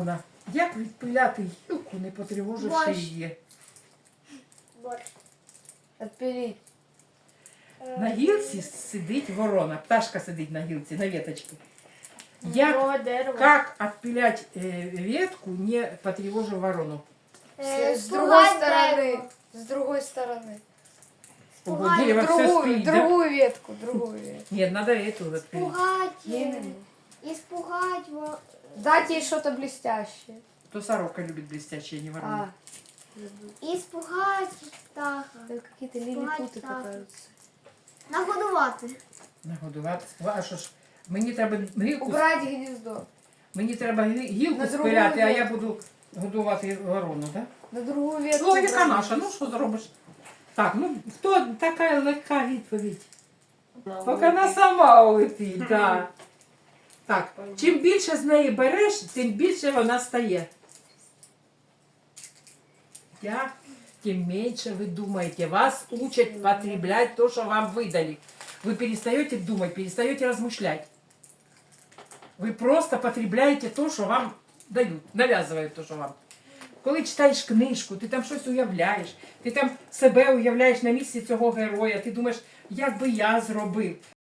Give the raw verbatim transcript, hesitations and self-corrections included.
Івановна, як відпиляти гілку, не потривоживши Борщ. її? Борщ. Отпилить. На гілці сидить ворона, пташка сидить на гілці, на веточці. Як, Другое дерево. как отпилять э, ветку, не потревожив ворону? Е, С, с другой спугать стороны. дерево. С другой стороны. Ого, Спугать дерево все Другую, спит, да? другую ветку, другую ветку. Нет, надо эту отпилить. Спугать. Не, не, е, не. Испугать. во- Дать ей что-то блестящее. То сорока любит блестящее, не ворона. А, Испугать птаха. это какие-то Спугать лилипуты птаха. катаются. Нагодувати. Нагодувати. А що ж, мені треба гілку, Убрать гнездо. мені треба гі- гілку На другу спиляти, а я ветку. буду годувати ворону, так? На другую ветку. Ну, яка убрать. наша, ну що зробиш? Так, ну хто така легка відповідь? Поки вона сама улетить, так. Так, чим більше з неї береш, тим більше вона стає. Я, тем меньше вы думаете. Вас учат потреблять то, что вам выдали. Вы перестаете думать, перестаете размышлять. Ви просто потребляєте то, що вам дають, нав'язують то, що вам. Коли читаєш книжку, ти там щось уявляєш, ти там себе уявляєш на місці цього героя, ти думаєш, як би я зробив.